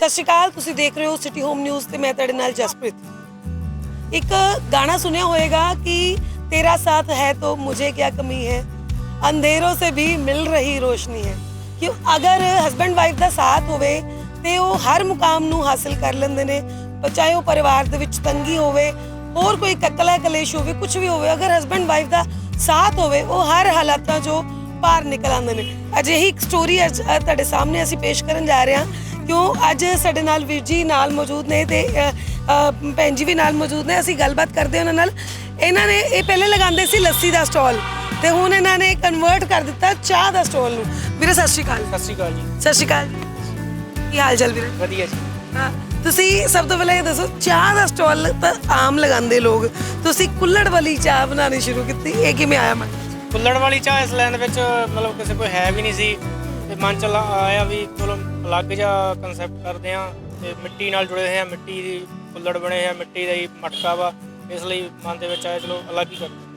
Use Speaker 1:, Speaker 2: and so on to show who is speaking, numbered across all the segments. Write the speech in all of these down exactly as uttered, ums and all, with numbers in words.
Speaker 1: सत श्री अकाल, तुसीं देख रहे हो सिटी होम न्यूज़ ते मैं तुहाडे नाल जसप्रीत। एक गाना सुनिया होएगा कि तेरा साथ है तो मुझे क्या कमी है, अंधेरों से भी मिल रही रोशनी है। कि अगर हस्बैंड वाइफ का साथ होवे ते वो हर मुकाम नूं हासिल कर लेंदे ने, चाहे वो परिवार दे विच तंगी होवे, और कोई ककला कलेश होवे, कुछ भी होवे, अगर हस्बैंड वाइफ का साथ होवे वो हर हालातां चों पार निकल आंदे ने। अजिही एक स्टोरी अज तुहाडे सामने असीं पेश करन जा रहे हां। क्यों अज साडे नाल वीर जी नाल मौजूद ने ते भैन जी भी नाल मौजूद ने। असीं गलबात करदे उहनां नाल। इन्हां ने ये पहले लगांदे सी लस्सी दा स्टॉल ते हुण इन्हां ने कन्वर्ट कर दिता चाह दा स्टॉल नूं। ਵੀਰੇ सत श्री अकाल।
Speaker 2: सत श्री अकाल जी।
Speaker 1: सत श्री अकाल जी, ਕੀ ਹਾਲ ਚਾਲ ਵੀਰੇ?
Speaker 2: ਵਧੀਆ ਜੀ।
Speaker 1: ਹਾਂ, ਤੁਸੀਂ ਸਭ ਤੋਂ ਪਹਿਲਾਂ ਇਹ ਦੱਸੋ, ਚਾਹ ਦਾ ਸਟਾਲ ਤਾਂ ਆਮ ਲਗਾਉਂਦੇ ਲੋਕ, ਤੁਸੀਂ ਕੁੱਲੜ ਵਾਲੀ ਚਾਹ ਬਣਾਉਣੀ ਸ਼ੁਰੂ ਕੀਤੀ, ਇਹ ਕਿਵੇਂ ਆਇਆ ਮਨ?
Speaker 2: ਕੁੱਲੜ ਵਾਲੀ ਚਾਹ ਇਸ ਲਾਈਨ ਵਿੱਚ ਮਤਲਬ ਕਿਸੇ ਕੋਈ ਹੈ ਵੀ ਨਹੀਂ ਸੀ ਤੇ ਮਨ ਚ ਆਇਆ ਵੀ ਚਲੋ ਅਲੱਗ ਜਿਹਾ ਕਨਸੈਪਟ ਕਰਦੇ ਆ ਤੇ ਮਿੱਟੀ ਨਾਲ ਜੁੜੇ ਹੋਏ ਆ, ਮਿੱਟੀ ਦੀ ਕੁੱਲੜ ਬਣੇ ਆ, ਮਿੱਟੀ ਦਾ ਹੀ ਮਟਕਾ ਵਾ, ਇਸ ਲਈ ਮਨ ਦੇ ਵਿੱਚ ਆਇਆ ਚਲੋ ਅਲੱਗ ਹੀ ਕਰਦੇ।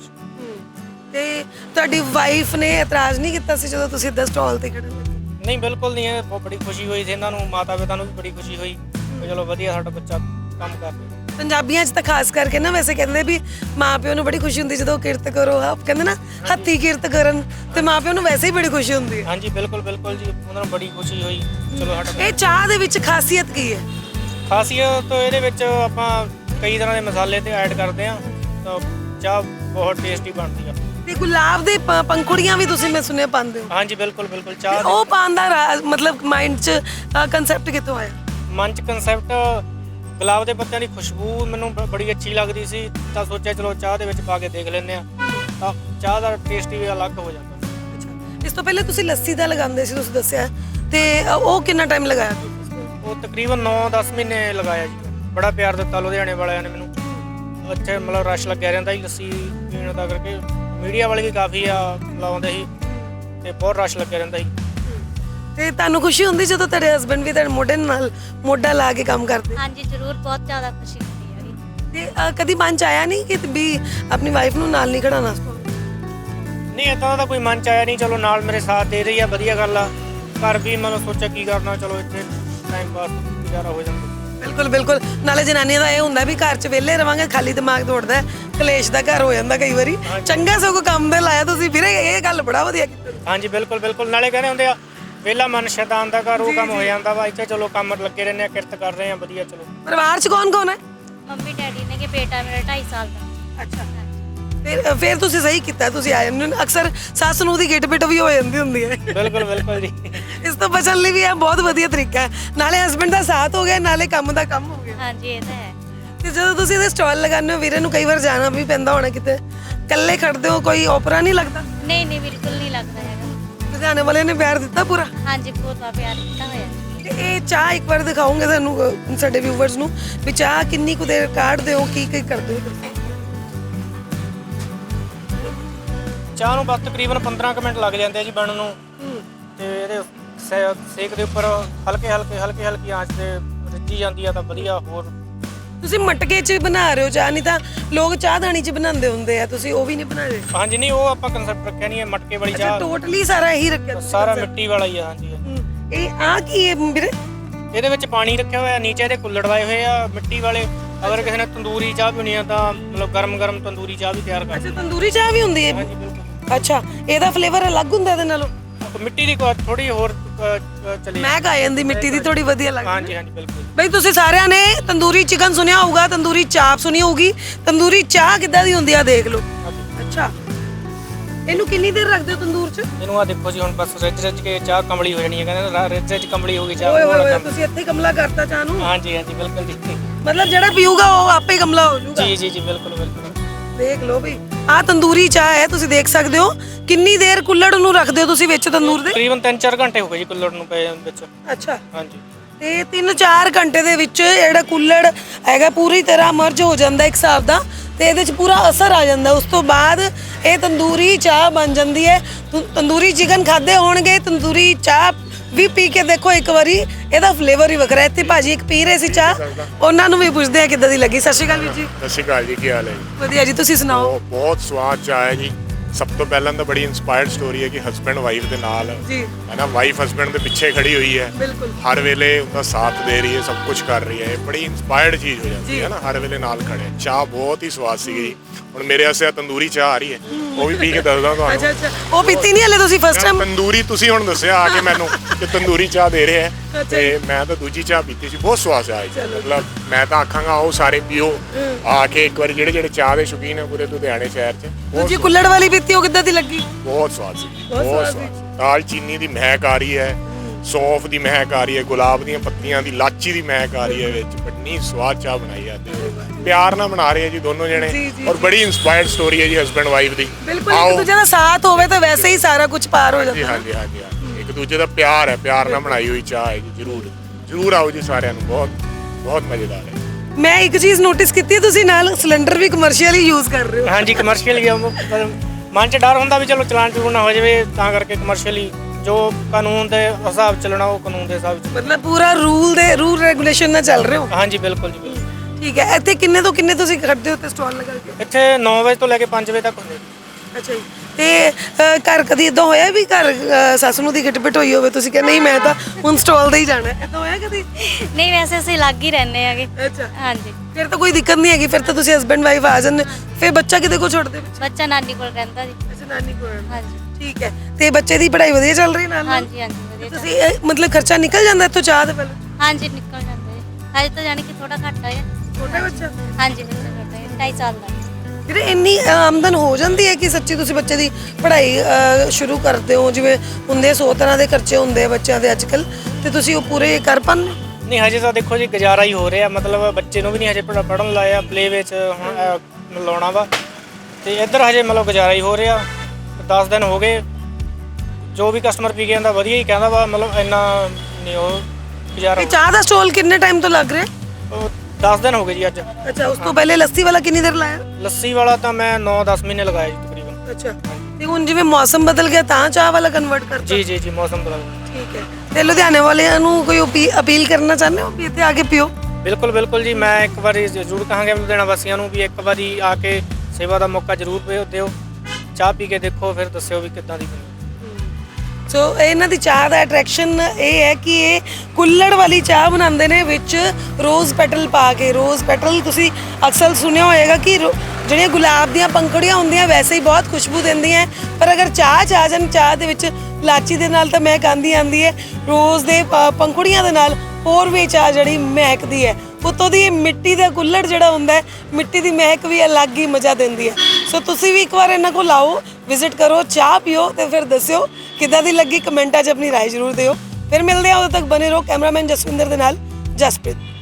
Speaker 1: ਤੇ ਤੁਹਾਡੀ ਵਾਈਫ ਨੇ ਇਤਰਾਜ਼ ਨਹੀਂ ਕੀਤਾ ਸੀ ਜਦੋਂ ਤੁਸੀਂ ਇੱਦਾਂ ਸਟਾਲ ਤੇ ਖੜੇ ਹੋ?
Speaker 2: ਨਹੀਂ ਬਿਲਕੁਲ ਨਹੀਂ, ਇਹ ਬਹੁਤ ਬੜੀ ਖੁਸ਼ੀ ਹੋਈ ਸੀ ਇਹਨਾਂ ਨੂੰ, ਮਾਤਾ ਪਿਤਾ ਨੂੰ ਵੀ ਬੜੀ ਖੁਸ਼ੀ ਹੋਈ ਕਿ ਚਲੋ ਵਧੀਆ ਸਾਡਾ ਬੱਚਾ ਕੰਮ ਕਰ ਰਿਹਾ।
Speaker 1: ਪੰਜਾਬੀਆਂ 'ਚ ਤਾਂ ਖਾਸ ਕਰਕੇ ਨਾ ਵੈਸੇ ਕਹਿੰਦੇ ਵੀ ਮਾਂ ਪਿਓ ਨੂੰ ਬੜੀ ਖੁਸ਼ੀ ਹੁੰਦੀ ਜਦੋਂ ਕਿਰਤ ਕਰੋ, ਕਹਿੰਦੇ ਨਾ ਹੱਥੀਂ ਕਿਰਤ ਕਰਨ, ਤੇ ਮਾਂ ਪਿਓ ਨੂੰ ਵੈਸੇ ਹੀ ਬੜੀ ਖੁਸ਼ੀ ਹੁੰਦੀ ਹੈ।
Speaker 2: ਹਾਂਜੀ ਬਿਲਕੁਲ ਬਿਲਕੁਲ ਜੀ, ਉਹਨਾਂ ਨੂੰ ਬੜੀ ਖੁਸ਼ੀ ਹੋਈ ਚਲੋ ਸਾਡਾ।
Speaker 1: ਇਹ ਚਾਹ ਦੇ ਵਿੱਚ ਖਾਸੀਅਤ ਕੀ ਹੈ?
Speaker 2: ਖਾਸੀਅਤ ਇਹਦੇ ਵਿੱਚ ਆਪਾਂ ਕਈ ਤਰ੍ਹਾਂ ਦੇ ਮਸਾਲੇ ਤੇ ਐਡ ਕਰਦੇ ਆ ਤਾਂ ਚਾਹ ਬਹੁਤ ਟੇਸਟੀ ਬਣਦੀ ਆ। ਤੇ
Speaker 1: ਗੁਲਾਬ ਦੇ ਪੰਖੁੜੀਆਂ ਵੀ ਤੁਸੀਂ ਮੈਂ ਸੁਣਿਆ ਪਾਉਂਦੇ ਹੋ?
Speaker 2: ਹਾਂਜੀ ਬਿਲਕੁਲ ਬਿਲकुल। ਚਾਹ
Speaker 1: ਉਹ ਪਾਉਣ ਦਾ ਮਤਲਬ ਮਾਈਂਡ 'ਚ ਕਨਸੈਪਟ ਕਿੱਥੋਂ ਆਇਆ?
Speaker 2: ਮਨ 'ਚ ਕਨਸੈਪਟ ਗੁਲਾਬ ਦੇ ਪੱਤਿਆਂ ਦੀ ਖੁਸ਼ਬੂ ਮੈਨੂੰ ਬੜੀ ਅੱਛੀ ਲੱਗਦੀ ਸੀ ਤਾਂ ਸੋਚਿਆ ਚਲੋ ਚਾਹ ਦੇ ਵਿੱਚ ਪਾ ਕੇ ਦੇਖ ਲੈਂਦੇ ਆ ਤਾਂ ਚਾਹ ਦਾ ਟੇਸਟ ਵੀ ਅਲੱਗ ਹੋ ਜਾਂਦਾ।
Speaker 1: ਅੱਛਾ, ਇਸ ਤੋਂ ਪਹਿਲੇ ਤੁਸੀਂ ਲੱਸੀ ਦਾ ਲਗਾਉਂਦੇ ਸੀ ਤੁਸੀਂ ਦੱਸਿਆ, ਤੇ ਉਹ ਕਿੰਨਾ ਟਾਈਮ ਲਗਾਇਆ?
Speaker 2: ਉਹ ਤਕਰੀਬਨ ਨੌ ਦਸ ਮਹੀਨੇ ਲਗਾਇਆ ਜੀ। ਬੜਾ ਪਿਆਰ ਦਿੱਤਾ ਲੁਧਿਆਣੇ ਵਾਲਿਆਂ ਨੇ ਮੈਨੂੰ, ਅੱਛਾ ਮਤਲਬ ਰਸ਼ ਲੱਗਿਆ ਰਹਿੰਦਾ ਸੀ ਲੱਸੀ ਪੀਣ ਦਾ ਕਰਕੇ, ਮੀਡੀਆ ਵਾਲੇ ਵੀ ਕਾਫੀ ਆ ਲਾਉਂਦੇ ਸੀ ਤੇ ਬਹੁਤ ਰਸ਼ ਲੱਗਿਆ ਰਹਿੰਦਾ ਸੀ।
Speaker 1: ਤੇ ਤੁਹਾਨੂੰ ਖੁਸ਼ੀ ਹੁੰਦੀ ਜਦੋਂ ਤੁਹਾਡੇ ਹਸਬੰਡ ਵੀ ਤੁਹਾਡੇ ਮੋਢੇ ਨਾਲ ਮੋਢਾ ਲਾ ਕੇ ਕੰਮ ਕਰਦੇ?
Speaker 3: ਹਾਂਜੀ ਜ਼ਰੂਰ, ਬਹੁਤ ਜ਼ਿਆਦਾ ਖੁਸ਼ੀ ਹੁੰਦੀ ਹੈ ਜੀ।
Speaker 1: ਤੇ ਕਦੀ ਮਨ ਚ ਆਇਆ ਨਹੀਂ ਕਿ ਵੀ ਆਪਣੀ ਵਾਈਫ ਨੂੰ ਨਾਲ ਨਹੀਂ ਖੜਾਉਣਾ?
Speaker 2: ਨਹੀਂ ਇੱਦਾਂ ਦਾ ਕੋਈ ਮਨ ਚ ਆਇਆ ਨਹੀਂ, ਚਲੋ ਨਾਲ ਮੇਰੇ ਸਾਥ ਦੇ ਰਹੀ ਆ, ਵਧੀਆ ਗੱਲ ਆ। ਘਰ ਵੀ ਮਤਲਬ ਸੋਚਿਆ ਕੀ ਕਰਨਾ, ਚਲੋ ਇੱਥੇ ਟਾਈਮ ਪਾਸ ਗੁਜ਼ਾਰਾ ਹੋ ਜਾਂਦਾ।
Speaker 1: ਬਿਲਕੁਲ ਬਿਲਕੁਲ, ਨਾਲੇ ਜਨਾਨੀਆਂ ਦਾ ਇਹ ਹੁੰਦਾ ਵੀ ਘਰ 'ਚ ਵਿਹਲੇ ਰਵਾਂਗੇ ਖਾਲੀ ਦਿਮਾਗ ਦੌੜਦਾ, ਕਲੇਸ਼ ਦਾ ਘਰ ਹੋ ਜਾਂਦਾ ਕਈ ਵਾਰੀ। ਚੰਗਾ ਸਗੋਂ ਕੰਮ ਦੇ ਲਾਇਆ ਤੁਸੀਂ ਵੀਰੇ, ਇਹ ਗੱਲ ਬੜਾ ਵਧੀਆ ਕੀਤੀ।
Speaker 2: ਹਾਂਜੀ ਬਿਲਕੁਲ ਬਿਲਕੁਲ, ਨਾਲੇ ਕਹਿੰਦੇ ਹੁੰਦੇ ਆ ਵਿਹਲਾ ਮਨ ਸ਼ੈਤਾਨ ਦਾ ਘਰ, ਉਹ ਕੰਮ ਹੋ ਜਾਂਦਾ ਵਾ। ਇੱਥੇ ਚਲੋ ਕੰਮ ਲੱਗੇ ਰਹਿੰਦੇ ਆ, ਕਿਰਤ ਕਰ ਰਹੇ ਆ, ਵਧੀਆ। ਚਲੋ
Speaker 1: ਪਰਿਵਾਰ 'ਚ ਕੌਣ ਕੌਣ ਹੈ?
Speaker 3: ਮੰਮੀ ਡੈਡੀ ਨੇ ਕਿ ਬੇਟਾ ਮੇਰਾ ਢਾਈ ਸਾਲ ਦਾ।
Speaker 1: ਅੱਛਾ, ਫਿਰ ਫਿਰ ਤੁਸੀਂ ਸਹੀ ਕੀਤਾ, ਤੁਸੀਂ ਆਏ। ਅਕਸਰ ਸੱਸ ਨੂੰ ਦੀ ਗਿੱਟ ਪਿੱਟ ਵੀ ਹੋ ਜਾਂਦੀ ਹੁੰਦੀ ਹੈ।
Speaker 2: ਬਿਲਕੁਲ ਬਿਲਕੁਲ ਜੀ,
Speaker 1: ਇਸ ਤੋਂ ਬਚਣ ਲਈ ਵੀ ਇਹ ਬਹੁਤ ਵਧੀਆ ਤਰੀਕਾ ਹੈ, ਨਾਲੇ ਹਸਬੈਂਡ ਦਾ ਸਾਥ ਹੋ ਗਿਆ, ਨਾਲੇ ਕੰਮ ਦਾ ਕੰਮ ਹੋ ਗਿਆ।
Speaker 3: ਹਾਂਜੀ ਇਹ ਤਾਂ ਹੈ।
Speaker 1: ਤੇ ਜਦੋਂ ਤੁਸੀਂ ਇਹਦੇ ਸਟਾਲ ਲਗਾਉਂਦੇ ਹੋ, ਵੀਰੇ ਨੂੰ ਕਈ ਵਾਰ ਜਾਣਾ ਵੀ ਪੈਂਦਾ ਹੋਣਾ ਕਿਤੇ, ਇਕੱਲੇ ਖੜਦੇ ਹੋ, ਕੋਈ ਓਪਰਾ ਨਹੀਂ ਲੱਗਦਾ?
Speaker 3: ਨਹੀਂ ਨਹੀਂ ਬਿਲਕੁਲ ਨਹੀਂ ਲੱਗਦਾ ਹੈਗਾ।
Speaker 1: ਲੁਧਿਆਣੇ ਵਾਲਿਆਂ ਨੇ ਪਿਆਰ ਦਿੱਤਾ ਪੂਰਾ?
Speaker 3: ਹਾਂਜੀ ਬਹੁਤ ਪਿਆਰ ਦਿੱਤਾ ਹੋਇਆ।
Speaker 1: ਤੇ ਇਹ ਚਾਹ ਇੱਕ ਵਾਰ ਦਿਖਾਓਗੇ ਸਾਨੂੰ ਸਾਡੇ ਵਿਊਵਰਸ ਨੂੰ ਵੀ ਚਾਹ ਕਿੰਨੀ ਕੁ ਦੇਰ ਕਾਢਦੇ ਹੋ, ਕੀ ਕੀ ਕਰਦੇ ਹੋ?
Speaker 2: ਚਾਹ ਨੂੰ ਬਸ ਤਕਰੀਬਨ ਪੰਦਰਾਂ ਕੁ ਮਿੰਟ ਲੱਗ ਜਾਂਦੇ ਆ ਜੀ ਬਣਨ ਨੂੰ। ਤੇ ਇਹਦੇ ਸੇਕ ਦੇ ਉੱਪਰ ਹਲਕੇ ਹਲਕੇ ਹਲਕੇ ਹਲਕੀ ਆਂਚ ਤੇ ਰਿੱਝੀ ਜਾਂਦੀ ਆ ਤਾਂ ਵਧੀਆ। ਹੋਰ
Speaker 1: ਤੁਸੀਂ ਮਟਕੇ 'ਚ ਬਣਾ ਰਹੇ ਹੋ ਚਾਹ, ਨਹੀਂ ਤਾਂ ਲੋਕ ਚਾਹਦਾਨੀ 'ਚ ਬਣਾਉਂਦੇ ਹੁੰਦੇ ਆ, ਤੁਸੀਂ ਉਹ ਵੀ ਨਹੀਂ ਬਣਾ ਰਹੇ?
Speaker 2: ਹਾਂਜੀ ਨਹੀਂ, ਉਹ ਆਪਾਂ ਕਨਸੈਪਟ ਰੱਖਿਆ ਨਹੀਂ ਹੈ ਮਟਕੇ ਵਾਲੀ ਚਾਹ।
Speaker 1: ਟੋਟਲੀ ਸਾਰਾ ਇਹੀ ਰੱਖਿਆ?
Speaker 2: ਸਾਰਾ ਮਿੱਟੀ ਵਾਲਾ ਹੀ ਆ। ਹਾਂਜੀ
Speaker 1: ਇਹ ਆ ਕੀ ਹੈ ਵੀਰੇ?
Speaker 2: ਇਹਦੇ ਵਿੱਚ ਪਾਣੀ ਰੱਖਿਆ ਹੋਇਆ, ਨੀਚੇ ਇਹਦੇ ਕੁੱਲੜ ਲਾਏ ਹੋਏ ਆ ਮਿੱਟੀ ਵਾਲੇ। ਅਗਰ ਕਿਸੇ ਨੇ ਤੰਦੂਰੀ ਚਾਹ ਪੀਣੀ ਆ ਤਾਂ ਮਤਲਬ ਗਰਮ ਗਰਮ ਤੰਦੂਰੀ ਚਾਹ ਵੀ ਤਿਆਰ ਕਰ।
Speaker 1: ਅੱਛਾ, ਤੰਦੂਰੀ ਚਾਹ ਵੀ ਹੁੰਦੀ ਹੈ?
Speaker 2: ਹਾਂਜੀ ਬਿਲਕੁਲ।
Speaker 1: ਅੱਛਾ, ਇਹਦਾ ਫਲੇਵਰ ਅਲੱਗ ਹੁੰਦਾ ਇਹਦੇ ਨਾਲੋਂ?
Speaker 2: ਮਿੱਟੀ ਦੀ ਥੋੜੀ ਹੋਰ ਚਲੀ
Speaker 1: ਮੈਂ ਕਹ ਜਾਂਦੀ ਮਿੱਟੀ ਦੀ ਥੋੜੀ ਵਧੀਆ ਲੱਗਦੀ।
Speaker 2: ਹਾਂਜੀ ਹਾਂਜੀ ਬਿਲਕੁਲ।
Speaker 1: ਬਈ ਤੁਸੀਂ ਸਾਰਿਆਂ ਨੇ ਤੰਦੂਰੀ ਚਿਕਨ ਸੁਣਿਆ ਹੋਊਗਾ, ਤੰਦੂਰੀ ਚਾਪ ਸੁਣੀ ਹੋਊਗੀ, ਤੰਦੂਰੀ ਚਾਹ ਕਿੱਦਾਂ ਦੀ ਹੁੰਦੀ ਆ ਦੇਖ ਲਓ। ਅੱਛਾ, ਇਹਨੂੰ ਕਿੰਨੀ ਦੇਰ ਰੱਖਦੇ ਹੋ ਤੰਦੂਰ 'ਚ?
Speaker 2: ਇਹਨੂੰ ਆ ਦੇਖੋ ਜੀ, ਹੁਣ ਬਸ ਰਿੱਝ ਰਿੱਝ ਕੇ ਚਾਹ ਕੰਬਲੀ ਹੋ ਜਾਣੀ ਹੈ, ਕਹਿੰਦੇ ਰਿੱਝ ਰਿੱਝ ਕੰਬਲੀ ਹੋ ਗਈ ਚਾਹ।
Speaker 1: ਓਏ ਹੋਏ, ਤੁਸੀਂ ਇੱਥੇ ਕਮਲਾ ਕਰਤਾ ਚਾਹ ਨੂੰ।
Speaker 2: ਹਾਂਜੀ ਹਾਂਜੀ ਬਿਲਕੁਲ ਜੀ,
Speaker 1: ਮਤਲਬ ਜਿਹੜਾ ਪੀਊਗਾ ਉਹ ਆਪੇ ਕਮਲਾ ਹੋ ਜਾਊਗਾ।
Speaker 2: ਜੀ ਜੀ ਜੀ ਬਿਲਕੁਲ ਬਿਲਕੁਲ।
Speaker 1: ਦੇਖ ਲਓ ਬਈ, ਆਹ ਤੰਦੂਰੀ ਚਾਹ ਹੈ, ਤੁਸੀਂ ਦੇਖ ਸਕਦੇ ਹੋ। ਕਿੰਨੀ ਦੇਰ ਕੁੱਲੜ ਨੂੰ ਰੱਖਦੇ ਹੋ ਤੁਸੀਂ ਵਿੱਚ ਤੰਦੂਰ ਦੇ?
Speaker 2: ਤਕਰੀਬਨ ਤਿੰਨ ਚਾਰ ਘੰਟੇ ਹੋ ਗਏ ਜੀ ਕੁੱਲੜ ਨੂੰ ਪਏ ਵਿੱਚ।
Speaker 1: ਅੱਛਾ,
Speaker 2: ਹਾਂਜੀ।
Speaker 1: ਤੇ ਤਿੰਨ ਚਾਰ ਘੰਟੇ ਦੇ ਵਿੱਚ ਜਿਹੜਾ ਕੁੱਲੜ ਹੈਗਾ ਪੂਰੀ ਤਰ੍ਹਾਂ ਮਰਜ ਹੋ ਜਾਂਦਾ ਇੱਕ ਹਿਸਾਬ ਦਾ, ਤੇ ਇਹਦੇ 'ਚ ਪੂਰਾ ਅਸਰ ਆ ਜਾਂਦਾ। ਉਸ ਤੋਂ ਬਾਅਦ ਇਹ ਤੰਦੂਰੀ ਚਾਹ ਬਣ ਜਾਂਦੀ ਹੈ। ਤੰਦੂਰੀ ਚਿਕਨ ਖਾਦੇ ਹੋਣਗੇ, ਤੰਦੂਰੀ ਚਾਹ ਵੀ ਪੀ ਕੇ ਦੇਖੋ ਇੱਕ ਵਾਰੀ, ਇਹਦਾ ਫਲੇਵਰ ਹੀ ਵੱਖਰਾ। ਇੱਥੇ ਭਾਜੀ ਇੱਕ ਪੀ ਰਹੇ ਸੀ ਚਾਹ, ਉਹਨਾਂ ਨੂੰ ਵੀ ਪੁੱਛਦੇ ਆ ਕਿੱਦਾਂ ਦੀ ਲੱਗੀ। ਸਤਿ ਸ਼੍ਰੀ ਅਕਾਲ ਵੀਰ ਜੀ।
Speaker 4: ਸਤਿ ਸ਼੍ਰੀ ਅਕਾਲ ਜੀ, ਕੀ ਹਾਲ ਹੈ ਜੀ?
Speaker 1: ਵਧੀਆ ਜੀ, ਤੁਸੀਂ ਸੁਣਾਓ?
Speaker 4: ਬਹੁਤ ਸਵਾਦ ਚਾਹ ਹੈ ਜੀ, ਸਭ ਤੋਂ ਪਹਿਲਾਂ ਤਾਂ ਬੜੀ ਇਨਸਪਾਇਰਡ ਸਟੋਰੀ ਹੈ ਕਿ ਹਸਬੈਂਡ ਵਾਈਫ ਦੇ ਨਾਲ
Speaker 1: ਜੀ
Speaker 4: ਹੈ ਨਾ, ਵਾਈਫ ਹਸਬੈਂਡ ਦੇ ਪਿੱਛੇ ਖੜੀ ਹੋਈ ਹੈ,
Speaker 1: ਬਿਲਕੁਲ
Speaker 4: ਹਰ ਵੇਲੇ ਉਹਦਾ ਸਾਥ ਦੇ ਰਹੀ ਹੈ, ਸਭ ਕੁਝ ਕਰ ਰਹੀ ਹੈ। ਇਹ ਬੜੀ ਇਨਸਪਾਇਰਡ ਚੀਜ਼ ਹੋ
Speaker 1: ਜੀ।
Speaker 4: ਜਾਂਦੀ ਹੈ ਨਾ, ਹਰ ਵੇਲੇ ਨਾਲ ਖੜੇ। ਚਾਹ ਬਹੁਤ ਹੀ ਸਵਾਦ ਸੀਗੀ। ਹੁਣ ਮੇਰੇ ਵਾਸਤੇ ਤੰਦੂਰੀ ਚਾਹ ਆ ਰਹੀ ਹੈ, ਉਹ ਵੀ ਪੀ ਕੇ ਦੱਸਦਾ ਤੁਹਾਨੂੰ।
Speaker 1: ਅੱਛਾ ਅੱਛਾ ਉਹ ਪੀਤੀ ਨਹੀਂ ਹਲੇ ਤੁਸੀਂ ਫਸਟ ਟਾਈਮ?
Speaker 4: ਤੰਦੂਰੀ ਤੁਸੀਂ ਹੁਣ ਦੱਸਿਆ ਆ ਕੇ ਮੈਨੂੰ ਕਿ ਤੰਦੂਰੀ ਚਾਹ ਦੇ ਰਹੇ ਹੈ, ਤੇ ਮੈਂ ਤਾਂ ਦੂਜੀ ਚਾਹ ਪੀਤੀ ਸੀ, ਬਹੁਤ ਸਵਾਦ ਸੀ। ਮਤਲਬ ਮੈਂ ਤਾਂ ਆਖਾਂਗਾ ਉਹ ਸਾਰੇ ਪੀਓ ਆ ਕੇ ਇੱਕ ਵਾਰੀ, ਜਿਹੜੇ ਜਿਹੜੇ ਚਾਹ ਦੇ ਸ਼ੌਕੀਨ ਹੈ ਪੂਰੇ ਲੁਧਿਆਣੇ ਸ਼ਹਿਰ 'ਚ। ਬਹੁਤ
Speaker 1: ਦੂਜੀ ਕੁੱਲੜ ਵਾਲੀ ਪੀਤੀ ਉਹ ਕਿੱਦਾਂ ਦੀ ਲੱਗੀ?
Speaker 4: ਬਹੁਤ ਸਵਾਦ ਸੀ,
Speaker 1: ਬਹੁਤ
Speaker 4: ਬਹੁਤ
Speaker 1: ਸਵਾਦ
Speaker 4: ਸਵਾਦ। ਦਾਲ ਚੀਨੀ ਦੀ ਮਹਿਕ ਆ ਰਹੀ ਹੈ, ਸੌਂਫ ਦੀ ਮਹਿਕ ਆ ਰਹੀ ਹੈ, ਗੁਲਾਬ ਦੀਆਂ ਪੱਤੀਆਂ ਦੀ, ਲਾਚੀ ਦੀ ਮਹਿਕ ਆ ਰਹੀ ਹੈ ਵਿੱਚ। ਬੜੀ ਸਵਾਦ ਚਾਹ ਬਣਾਈ ਹੈ ਤੇ ਪਿਆਰ ਨਾਲ ਬਣਾ ਰਹੇ ਹੈ ਜੀ ਦੋਨੋਂ
Speaker 1: ਜੀ,
Speaker 4: ਜਣੇ।
Speaker 1: ਜੀ,
Speaker 4: ਔਰ ਬੜੀ ਇਨਸਪਾਇਰਡ ਸਟੋਰੀ ਹੈ ਜੀ ਹਸਬੈਂਡ ਵਾਈਫ ਦੀ।
Speaker 1: ਬਿਲਕੁਲ ਇੱਕ ਦੂਜੇ ਦਾ ਸਾਥ ਹੋਵੇ ਤਾਂ ਵੈਸੇ ਹੀ ਸਾਰਾ ਕੁਝ ਪਾਰ ਹੋ
Speaker 4: ਜੀ
Speaker 1: ਜਾਂਦਾ।
Speaker 4: ਹਾਂਜੀ ਹਾਂਜੀ ਹਾਂਜੀ। ਇੱਕ ਦੂਜੇ ਦਾ ਪਿਆਰ ਹੈ, ਪਿਆਰ ਨਾਲ ਬਣਾਈ ਹੋਈ ਚਾਹ ਹੈ ਜੀ। ਜ਼ਰੂਰ ਜ਼ਰੂਰ ਆਓ ਜੀ ਸਾਰਿਆਂ ਨੂੰ, ਬਹੁਤ ਬਹੁਤ ਮਜ਼ੇਦਾਰ ਹੈ।
Speaker 1: ਮੈਂ ਇੱਕ ਚੀਜ਼ ਨੋਟਿਸ ਕੀਤੀ ਹੈ, ਤੁਸੀਂ ਨਾਲ ਸਿਲੰਡਰ ਵੀ ਕਮਰਸ਼ੀਅਲ ਹੀ ਯੂਜ਼ ਕਰ ਰਹੇ ਹੋ।
Speaker 2: ਹਾਂਜੀ ਕਮਰਸ਼ੀਅਲ ਹੀ ਆ, ਮਤਲਬ ਮਨ 'ਚ ਡਰ ਹੁੰਦਾ ਵੀ ਚਲੋ ਚਲਾਨ ਚਲੂਨ ਨਾ ਹੋ ਜਾਵੇ, ਤਾਂ ਕਰਕੇ ਕਮਰਸ਼ੀਅਲੀ ਜੋ ਕਾਨੂੰਨ ਦੇ ਹਿਸਾਬ ਚੱਲਣਾ ਉਹ ਕਾਨੂੰਨ ਦੇ ਹਿਸਾਬ 'ਚ।
Speaker 1: ਮਤਲਬ ਪੂਰਾ ਰੂਲ ਦੇ ਰੂਲ ਰੈਗੂਲੇਸ਼ਨ ਨਾਲ ਚੱਲ ਰਹੇ ਹੋ।
Speaker 2: ਹਾਂਜੀ ਬਿਲਕੁਲ ਜੀ ਬਿਲਕੁਲ।
Speaker 1: ਠੀਕ ਹੈ। ਇੱਥੇ ਕਿੰਨੇ ਤੋਂ ਕਿੰਨੇ ਤੁਸੀਂ ਖੜਦੇ ਹੋ ਤੇ ਸਟਾਲ ਲਗਾ ਕੇ?
Speaker 2: ਇੱਥੇ ਨੌ ਵਜੇ ਤੋਂ ਲੈ ਕੇ ਪੰਜ ਵਜੇ ਤੱਕ ਹੁੰਦੇ।
Speaker 1: ਅੱਛਾ ਜੀ। ਤੇ ਅ, ਘਰ ਕਦੀ ਇਦਾਂ ਹੋਇਆ ਵੀ ਘਰ ਅ, ਸੱਸ ਨੂੰ ਦੀ ਖਿਟਪਿਟ ਹੋਈ ਹੋਵੇ, ਤੁਸੀਂ ਕਹਿੰਦੇ ਨਹੀਂ ਮੈਂ ਤਾਂ ਹੁਣ ਸਟਾਲ ਤੇ ਹੀ ਜਾਣਾ, ਇਦਾਂ ਹੋਇਆ ਕਦੀ?
Speaker 3: ਨਹੀਂ ਵੈਸੇ ਅਸੀਂ ਲੱਗ ਹੀ ਰਹਿੰਦੇ ਹੈਗੇ।
Speaker 1: ਅੱਛਾ
Speaker 3: ਹਾਂਜੀ
Speaker 1: ਫਿਰ ਤਾਂ ਕੋਈ ਦਿੱਕਤ ਨਹੀਂ ਹੈਗੀ, ਫਿਰ ਤਾਂ ਤੁਸੀਂ ਹਸਬੈਂਡ ਵਾਈਫ ਆ ਜਾਂਦੇ। ਫਿਰ ਬੱਚਾ ਕਿਤੇ ਕੋ ਛੱਡਦੇ?
Speaker 3: ਬੱਚਾ ਨਾਨੀ ਕੋਲ ਰਹਿੰਦਾ ਜੀ।
Speaker 1: ਅੱਛਾ ਨਾਨੀ ਕੋਲ।
Speaker 3: ਹਾਂਜੀ
Speaker 1: ਠੀਕ ਹੈ। ਤੇ ਬੱਚੇ ਦੀ ਪੜ੍ਹਾਈ ਵਧੀਆ ਚੱਲ ਰਹੀ ਨਾਲ ਨਾਲ?
Speaker 3: ਹਾਂਜੀ ਹਾਂਜੀ ਵਧੀਆ ਚੱਲ-
Speaker 1: ਤੁਸੀਂ ਇਹ, ਮਤਲਬ ਖਰਚਾ ਨਿਕਲ ਜਾਂਦਾ ਇੱਥੋਂ ਚਾਹ ਦੇ ਪਹਿਲਾਂ?
Speaker 3: ਹਾਂਜੀ ਨਿਕਲ ਜਾਂਦਾ ਜੀ। ਹਜੇ ਤਾਂ ਜਾਣੀ ਕਿ ਥੋੜਾ ਘੱਟ ਹੈ।
Speaker 1: ਛੋਟਾ ਬੱਚਾ?
Speaker 3: ਹਾਂਜੀ ਬੱਚਾ ਛੋਟਾ ਹੈ, ਢਾਈ ਸਾਲ ਦਾ।
Speaker 1: ਫਿਰ ਇੰਨੀ ਆਮਦਨ ਹੋ ਜਾਂਦੀ ਹੈ ਕਿ ਸੱਚੀ ਤੁਸੀਂ ਬੱਚੇ ਦੀ ਪੜ੍ਹਾਈ ਅ, ਸ਼ੁਰੂ ਕਰਦੇ ਹੋ? ਜਿਵੇਂ ਹੁੰਦੇ ਸੌ ਤਰ੍ਹਾਂ ਦੇ ਖਰਚੇ ਹੁੰਦੇ ਆ ਬੱਚਿਆਂ ਦੇ ਅੱਜ ਕੱਲ, ਤੇ ਤੁਸੀਂ ਉਹ ਪੂਰੇ ਕਰ ਪਾਉਂਦੇ?
Speaker 2: ਨਹੀਂ ਹਜੇ ਤਾਂ ਦੇਖੋ ਜੀ ਗੁਜ਼ਾਰਾ ਹੀ ਹੋ ਰਿਹਾ, ਮਤਲਬ ਬੱਚੇ ਨੂੰ ਵੀ ਨਹੀਂ ਹਜੇ ਪੜ੍ਹ- ਪੜ੍ਹਨ ਲਾਇਆ, ਪਲੇ ਵਿੱਚ ਹੁਣ ਅਹ, ਲਾਉਣਾ ਵਾ, ਤੇ ਇੱਧਰ ਹਜੇ ਮਤਲਬ ਗੁਜ਼ਾਰਾ ਹੀ ਹੋ ਰਿਹਾ। ਦਸ ਦਿਨ ਹੋ ਗਏ, ਜੋ ਵੀ ਕਸਟਮਰ ਪੀ ਕੇ ਜਾਂਦਾ ਵਧੀਆ ਹੀ ਕਹਿੰਦਾ ਵਾ, ਮਤਲਬ ਇੰਨਾ ਨਹੀਂ ਉਹ ਗੁਜ਼ਾਰਾ।
Speaker 1: ਇਹ ਚਾਹ ਦਾ ਸਟਾਲ ਕਿੰਨੇ ਟਾਈਮ ਤੋਂ ਲੱਗ ਰਿਹਾ?
Speaker 2: ਉਹ ਦਸ ਦਿਨ ਹੋ ਗਏ ਜੀ ਅੱਜ।
Speaker 1: ਅੱਛਾ ਉਸ ਤੋਂ ਪਹਿਲੇ ਲੱਸੀ ਵਾਲਾ ਕਿੰਨੀ ਦੇਰ ਲਾਇਆ?
Speaker 2: ਲੱਸੀ ਵਾਲਾ ਤਾਂ ਮੈਂ ਨੌ ਦਸ ਮਹੀਨੇ ਲਗਾਏ ਜੀ ਤਕਰੀਬਨ।
Speaker 1: ਅੱਛਾ। ਤੇ ਹੁਣ ਜਿਵੇਂ ਮੌਸਮ ਬਦਲ ਗਿਆ ਤਾਂ ਚਾਹ ਵਾਲਾ ਕਨਵਰਟ ਕਰਤਾ?
Speaker 2: ਜੀ ਜੀ ਜੀ ਮੌਸਮ ਬਦਲ।
Speaker 1: ਠੀਕ ਹੈ। ਤੇ ਲੁਧਿਆਣੇ ਵਾਲਿਆਂ ਨੂੰ ਕੋਈ ਅਪੀ- ਅਪੀਲ ਕਰਨਾ ਚਾਹੁੰਦੇ ਹੋ ਵੀ ਇੱਥੇ ਆ ਕੇ ਪੀਓ?
Speaker 2: ਬਿਲਕੁਲ ਬਿਲਕੁਲ ਜੀ, ਮੈਂ ਇੱਕ ਵਾਰੀ ਜ਼ਰੂਰ ਕਹਾਂਗਾ ਲੁਧਿਆਣਾ ਵਾਸੀਆਂ ਨੂੰ ਵੀ ਇੱਕ ਵਾਰੀ ਆ ਕੇ ਸੇਵਾ ਦਾ ਮੌਕਾ ਜ਼ਰੂਰ ਪਿਓ ਦਿਓ, ਚਾਹ ਪੀ ਕੇ ਦੇਖੋ, ਫਿਰ ਦੱਸਿਓ ਵੀ ਕਿੱਦਾਂ ਦੀ ਬਣੀ।
Speaker 1: ਸੋ ਇਹਨਾਂ ਦੀ ਚਾਹ ਦਾ ਅਟਰੈਕਸ਼ਨ ਇਹ ਹੈ ਕਿ ਇਹ ਕੁੱਲੜ ਵਾਲੀ ਚਾਹ ਬਣਾਉਂਦੇ ਨੇ ਵਿੱਚ ਰੋਜ਼ ਪੈਟਲ ਪਾ ਕੇ। ਰੋਜ਼ ਪੈਟਲ ਤੁਸੀਂ ਅਕਸਰ ਸੁਣਿਆ ਹੋਏਗਾ ਕਿ ਰੋ- ਜਿਹੜੀਆਂ ਗੁਲਾਬ ਦੀਆਂ ਪੰਖੜੀਆਂ ਹੁੰਦੀਆਂ ਵੈਸੇ ਹੀ ਬਹੁਤ ਖੁਸ਼ਬੂ ਦਿੰਦੀਆਂ, ਪਰ ਅਗਰ ਚਾਹ ਚ ਆ ਜਾਣ, ਚਾਹ ਦੇ ਵਿੱਚ ਲਾਚੀ ਦੇ ਨਾਲ ਤਾਂ ਮਹਿਕ ਆਉਂਦੀ ਆਉਂਦੀ ਹੈ, ਰੋਜ਼ ਦੇ ਪ- ਪੰਖੜੀਆਂ ਦੇ ਨਾਲ ਹੋਰ ਵੀ ਚਾਹ ਜਿਹੜੀ ਮਹਿਕਦੀ ਹੈ। ਉੱਤੋਂ ਦੀ ਇਹ ਮਿੱਟੀ ਦਾ ਕੁੱਲੜ ਜਿਹੜਾ ਹੁੰਦਾ ਹੈ, ਮਿੱਟੀ ਦੀ ਮਹਿਕ ਵੀ ਅਲੱਗ ਹੀ ਮਜ਼ਾ ਦਿੰਦੀ ਹੈ। ਸੋ ਤੁਸੀਂ ਵੀ ਇੱਕ ਵਾਰ ਇਹਨਾਂ ਕੋਲ ਆਓ, ਵਿਜ਼ਿਟ ਕਰੋ, ਚਾਹ ਪੀਓ ਤੇ ਫਿਰ ਦੱਸਿਓ ਕਿੱਦਾਂ ਦੀ ਲੱਗੀ। ਕਮੈਂਟਾਂ 'ਚ ਆਪਣੀ ਰਾਏ ਜ਼ਰੂਰ ਦਿਓ। ਫਿਰ ਮਿਲਦੇ ਆ, ਉਦੋਂ ਤੱਕ ਬਨੇ ਰਹੋ। ਕੈਮਰਾਮੈਨ ਜਸਵਿੰਦਰ ਦੇ ਨਾਲ ਜਸਪ੍ਰੀਤ।